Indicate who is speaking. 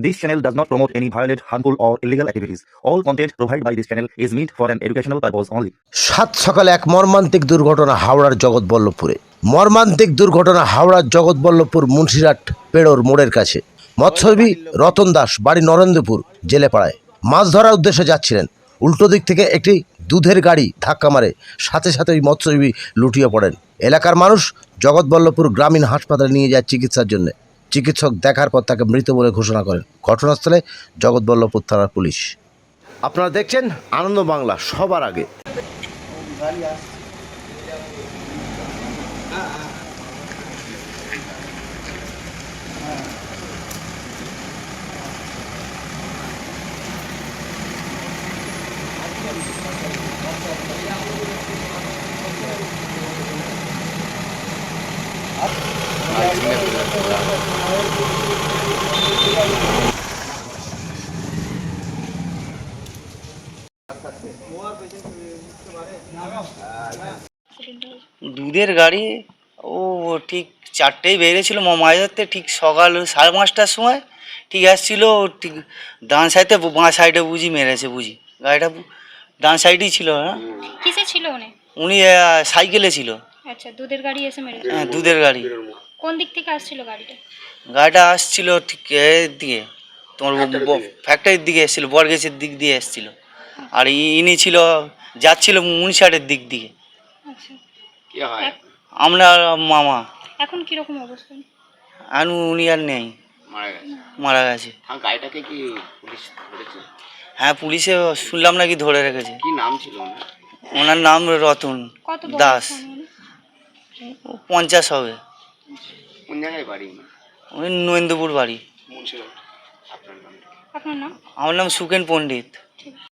Speaker 1: This channel does not promote any violent, harmful, or illegal activities. All content provided by this channel is meant for an educational purpose only.
Speaker 2: সাত সকালে এক মর্মান্তিক দুর্ঘটনা হাওড়ার জগৎবল্লভপুরে। মর্মান্তিক দুর্ঘটনা হাওড়ার জগৎবল্লভপুর মুন্সিরহাট পেড়োর মোড়ের কাছে। মৎস্যজীবী রতন দাস, বাড়ি নরেন্দ্রপুর জেলেপাড়ায়, মাছ ধরার উদ্দেশ্যে যাচ্ছিলেন। উল্টো দিক থেকে একটি দুধের গাড়ি ধাক্কা মারে, সাথে সাথে ওই মৎস্যজীবী লুটিয়ে পড়েন। এলাকার মানুষ জগৎবল্লভপুর গ্রামীণ হাসপাতালে নিয়ে যায় চিকিৎসার জন্য। চিকিৎসক দেখার পর তাকে মৃত বলে ঘোষণা করেন। ঘটনাস্থলে জগৎবল্লভপুর থানার পুলিশ। আপনারা দেখছেন আনন্দ বাংলা সবার আগে।
Speaker 3: দুধের গাড়ি ও ঠিক 4টেই বেরিয়েছিল মাছ ধরতে, ঠিক সকাল 5:30টার সময় ঠিক আসছিল। ঠিক ডান সাইডে বাঁ সাইডে বুঝি মেরেছে, বুঝি গাড়িটা ডান সাইডেই ছিল। হ্যাঁ,
Speaker 4: কিসে ছিল উনি?
Speaker 3: উনি সাইকেলে ছিল।
Speaker 4: আচ্ছা, দুধের গাড়ি এসে মেরেছে।
Speaker 3: হ্যাঁ, দুধের গাড়ি।
Speaker 4: কোন দিক থেকে আসছিল গাড়িটা?
Speaker 3: গাড়িটা আসছিল ঠিক এর দিকে, তোমার ফ্যাক্টরির দিকে এসেছিল, বরগেছের দিক দিয়ে এসেছিল। আর ইনি ছিল যাচ্ছিল মুন্সিরহাটের দিক দিয়ে।
Speaker 4: আচ্ছা,
Speaker 3: আমরা মামা।
Speaker 4: এখন কিরকম অবস্থা?
Speaker 3: আর উনি আর নেই, মারা গেছে।
Speaker 5: গাড়িটাকে কি পুলিশ ধরেছে?
Speaker 3: হ্যাঁ, পুলিশে শুনলাম নাকি ধরে রেখেছে।
Speaker 5: কি নাম ছিল
Speaker 3: ওনার নাম রতন
Speaker 4: কত
Speaker 3: দাস।
Speaker 4: বয়স উনি?
Speaker 3: 50 হবে।
Speaker 5: কোন জায়গায় বাড়ি?
Speaker 3: উনি নরেন্দ্রপুর বাড়ি।
Speaker 5: আপনার নাম?
Speaker 4: আপনার নাম?
Speaker 3: আমার নাম সুকেন পণ্ডিত।